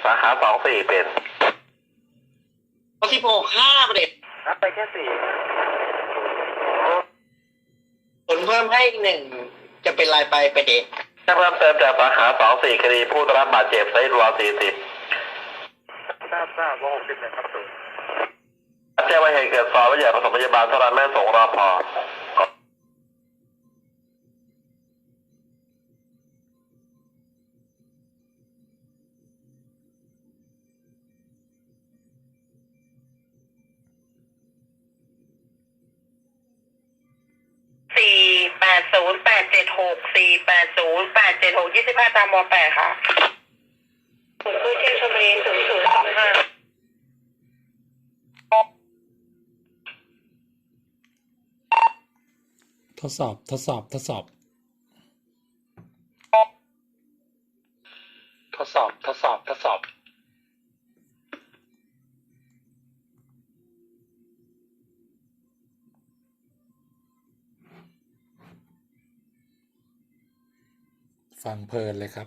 สาขา24เป็น 16 5ประเด็นรับไปแค่4 ผลเพิ่มให้1จะเป็นรายไปประเด็นถ้าเพิ่มเติมจากสาขา24คดีผู้ได้รับบาดเจ็บไซต์รอ40ทราบว่า60นะครับสูแจ้งว่าเหตุเกิดซอยวิทยาผสมพยาบาลเท่านั้นแม่ส่งรอพอ 480-876-480-876 25 ตามม.8 ค่ะผมคือเชียงชลบุรี0025 ทดสอบทดสอบทดสอบทดสอบทดสอบทดสอบฟังเพลินเลยครับ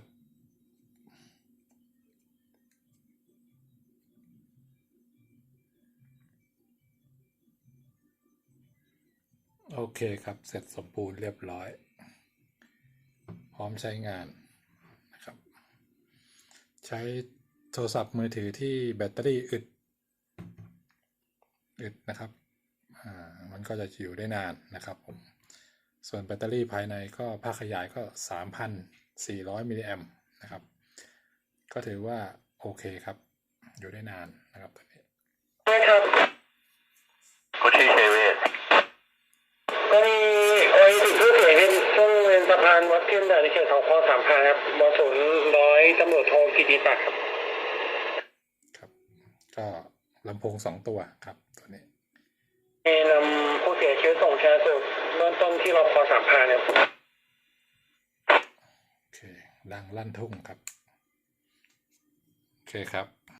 โอเคครับเสร็จสมบูรณ์เรียบร้อยพร้อมใช้งานนะครับใช้โทรศัพท์มือถือที่แบตเตอรี่อึดนะครับมันก็จะอยู่ได้นานนะครับผมส่วนแบตเตอรี่ภายในก็ภาคขยายก็ 3,400 มิลลิแอมป์นะครับก็ถือว่าโอเคครับอยู่ได้นานนะครับตัวนี้ครับคุณชื่อเชเวตก็มีติดผู้เสียชีวิตช่วงเวรสะพานวัดเทียนด่านในเขตของคลอง3,000ครับม.0 ตำรวจโทกิติศักดิ์ครับก็ลำโพง2ตัวครับตัวนี้นำผู้เสียชีวิตส่งชันสูตรเบื้องต้นที่รพ3,000ครับโอเคดังลั่นทุ่งครับโอเคครับ